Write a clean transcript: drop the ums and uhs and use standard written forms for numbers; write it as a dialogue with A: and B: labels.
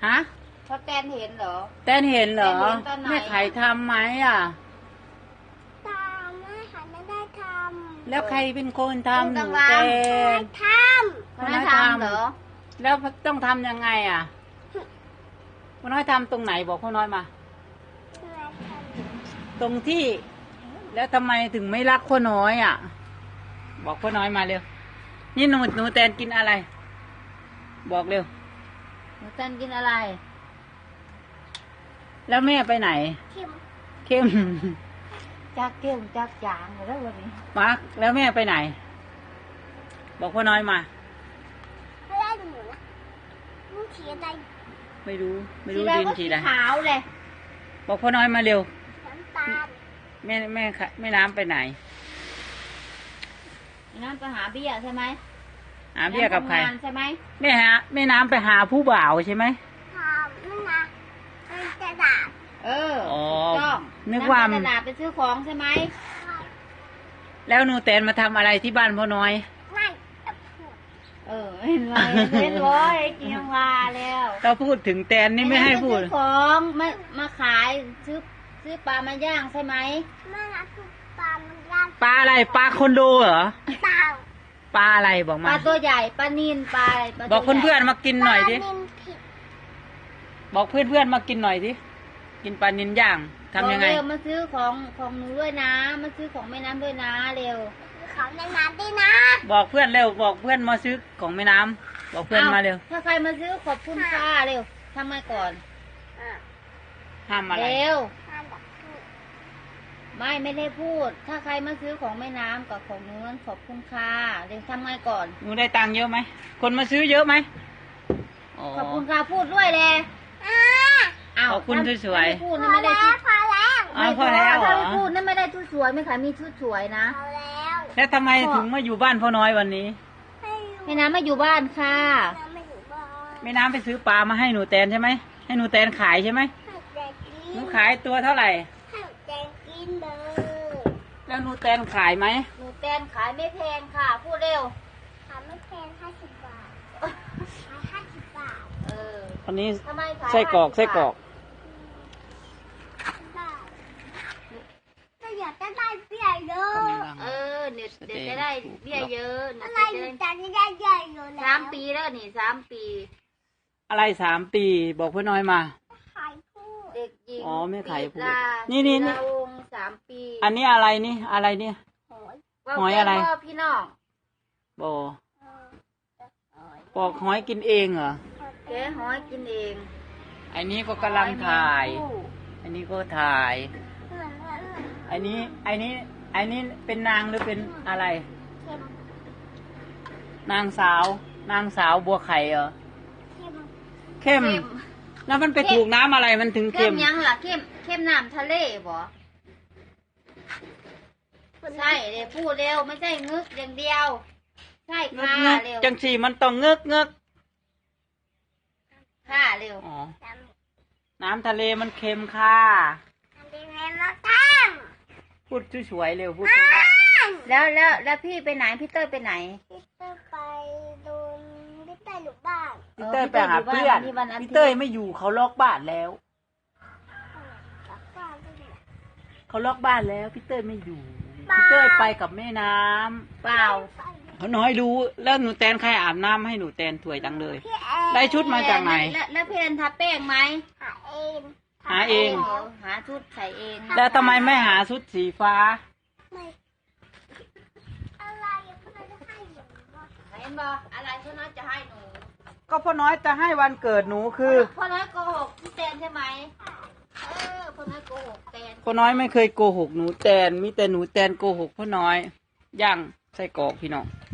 A: ฮะ
B: เพราะแตนเห็นเหรอ
A: แตนเห็นเหรอ
B: แตนเห็นตอนไหน
A: แม่ไข่ทำไหมอ่ะ
C: ตาแม่ค่ะไม่ได้ทำ
A: แล้วใครเป็นคนทำหนู
B: ดังๆ
A: แตน
C: ท
B: พ่อน้อยทำเหรอ
A: แล้วต้องทำยังไงอ่ะพ่อน้อยทำตรงไหนบอกพ่อน้อยมา
C: ำ
A: ตรงที่ แล้วทำไมถึงไม่รักพ่อน้อยอ่ะ บอกพ่อน้อยมาเร็วนี่หนูแตนกินอะไร บอกเร็ว
B: หนูแตนกินอะไร
A: แล้วแม่ไปไหน
C: เข็ม
A: เข้ม
B: จักเกี้ยวจักจางแล้ววันนี้
A: มาร์กแล้วแม่ไปไหน บอกพ่อน้อยมา
C: ไม่ได้หนูนะมึงขี่อะไร
A: ไม่รู้
B: สี
A: ดิน
B: ก็
A: สี
B: สี
A: อะไร
B: ขาวเลย
A: บอกพ่อน้อยมาเร็ว
C: น้ำตาล
A: แม่น้ำไปไหน
B: นั่นไปหาเบี้ยใช่ไหม
A: หาเบี้ยกับใคร
B: ทำงานใช่ไหม
A: แม่น้ำไปหาผู้บ่าวใช่ไหม
C: ทำไม่นะมันจะด่า
B: เออ
A: อ๋อ
B: ถูกต้อง
A: นึกว่า
B: ไปตลาดไปซื้อของใช่ไหม
A: แล้วหนูแตนมาทำอะไรที่บ้านพ่อน้อย
C: ไม่จะพูด
B: เออเห็นไหมเห็นร้อยกินวาแล้ว
A: เราพูดถึงแตนนี่ไม่ให้พูด
B: ซื้อของมาขายซื้อปลามาย่างใช่ไหม
C: แม่นะคือปลามันย่าง
A: ปลาอะไรปลาคอนโดเหรอ
C: เต่า
A: ปลาอะไรบอก
B: ป
A: มา
B: ลาตัวใหญ่ปลานิลปลาอะไรปลา
A: บอก
B: ตัวใหญ่
A: เพื่อนๆมากินหน่อยดิ
C: ปลานิลผิด
A: บอกเพื่อนๆมากินหน่อยดิกินปลานิลย่างทำยังไง
B: บอกเร็วมาซื้อของหนูด้วยนะมาซื้อของแม่น้ำด้วยนะเร็ว
C: คือเขาในน้ำด้วยนะ
A: บอกเพื่อนเร็วบอกเพื่อนมาซื้อของแม่น้ำบอกเพื่อนมาเร็ว
B: ถ้าใครมาซื้อขอบคุณค่ะเร็วทำไงก่อน
C: อ่ะ
A: ห้ามอะไร
B: เร็ว
C: ห้ามแบบพูด
B: ไม่ได้พูด ถ้าใครมาซื้อของแม่น้ำกับของหนูนั้นขอบคุณค่ะเร็วทำไงก่อน
A: หนูได้ตังค์เยอะไหมคนมาซื้อเยอะไหมอ๋อ
B: ขอบคุณค่ะพูดด้วยเลย
C: อ่า
B: อ้าว
A: ขอบคุณสวยๆ
B: ถ้าไม่พูด
C: พ
B: นั่น
C: อ
B: ไม่ได้
C: แล้ว
B: ชุด
C: พอแล้ว
A: อ้าวพอแล้วเหรอ
B: ถ้าไม่พูดนั่นไม่ได้ชุดสวยไม่ขายมีชุดสวยนะ
C: พอแล้ว
A: แล้วทำไมถึงมาอยู่บ้านพ่อน้อยวันนี้
C: ให้อยู่
B: แม่น้ำมาอยู่บ้านค่ะ
C: น้ำไม่อยู่บ้าน
A: แม่น้ำไปซื้อปลามาให้หนูแตนใช่ไหมให้หนูแตนขายใช่ไหม
C: ให้แจกกิ
A: หนู
C: น
A: ขายตัวเท่าไหร่
C: ให้แจกกินเลย
A: แล้วหนูแตนขายไหม
B: หนูแตนขายไม่แพงค่ะ พูดเร็ว
C: ทำไม่แพง50 บาทขาย50 บาท
B: เออ
A: วันนี้
B: ทำไมขาย
A: ไส้กรอก
B: 50
A: ไส้กรอก
C: ได้ก็อยากจะได้เบี้ยเยอะ
B: เออเดี๋ยวจะได้เบี้ยเยอะเดี๋
C: อะ
B: ยว
C: ไร
B: จะ
C: หนู
B: ได้
C: จะได้เบี้ยเยอะแล้ว
B: 3 ปีแล้วนี่3 ปี
A: อะไร3 ปี บอกพ่อน้อยมา
C: ขายพูด
B: เด็กหญิง
A: อ๋อไม่ขายพูด
B: ปิดลา
A: นี่
B: ศิลาวงศ์3 ปี
A: อันนี้อะไรนี่อะไรเนี่ย
C: โหย
A: หอยอะไร
B: ว่าพี่น้อง
A: บอ
C: เออโอ้ย
A: บอกหอยกินเองเหรอ
B: แกะหอยกินเอง
A: อันนี้ก็กำลังถ่าย
B: หอแมงผู้
A: อันนี้ก็ถ่าย
C: เหมือนเหมือนเหมือน
A: อันนี้เป็นนางหรือเป็นอะไร
C: เค็ม
A: นางสาวบัวไข่เหรอ
C: เค็ม
A: เข้ม
B: เข้ม
A: แล้วมันไปถูกน้ำอะไรมันถึง
B: เข้
A: เข้
B: ม
A: ม
B: ยังล่ะเข้มน้ำทะเลบ่ใช่เดี๋ยวพูดเร็วไม่ใช่งึกอย่างเดียว ใช่
A: เงึก
B: ค่ะ
A: เงึก
B: เร็ว
A: จังสีมันต้องเงึกเงึก
B: ค่ะเร็ว
A: อ๋อ
C: จำ
A: น้ำทะเลมันเค็มค่ะ
C: อันนี้แม่มาตั้ง
A: พูดสวยๆเร็วพูดสวย
B: แล้วพี่ไปไหนพี่เต้ยไปไหน
C: พี่เต้ยไปโดนพี่เต้ยอยู่บ้าน
A: ๆพี่เต้ยไปหาเพื่อน
B: พี่วันอาทิตย์
A: พี่เต้ยไม่อยู่เขาล็อกบ้านแล้ว
C: กลับบ้านด้วย
A: เขาล็อกบ้านแล้วพี่เต้ยไม่อยู่
C: บ้า
A: พี่เต้ยไปกับแม่น้ำ
B: เปล่า
A: เขาน้อยรู้แล้วหนูแตนใครอาบน้ำให้หนูแตนถวยจังเลย
C: พี่แอน
A: ได้ชุดมาจากไหน
B: แล้วพี่แอนทาแป้งไหม
C: หาเอง
A: หาเอง
B: เดี๋ยวหาชุดใส่เอง
A: แล้วทำไมไม่หาชุดสีฟ้า
C: ไม่อะไรยังไม่ได้ให้อยู่วะ
B: เห็นบ่อะไรพ่อน้อยจะให้หนู
A: ก็พ่อน้อยจะให้วันเกิดหนูคือ
B: พ่อน้อยโกหกพี่แตนใช่ไหมพ่อน้อยโกหกแตน
A: พ่อน้อยไม่เคยโกหกหนูแตนมีแต่หนูแตนโกหกพ่อน้อยย่างไส้กรอกพี่น้อง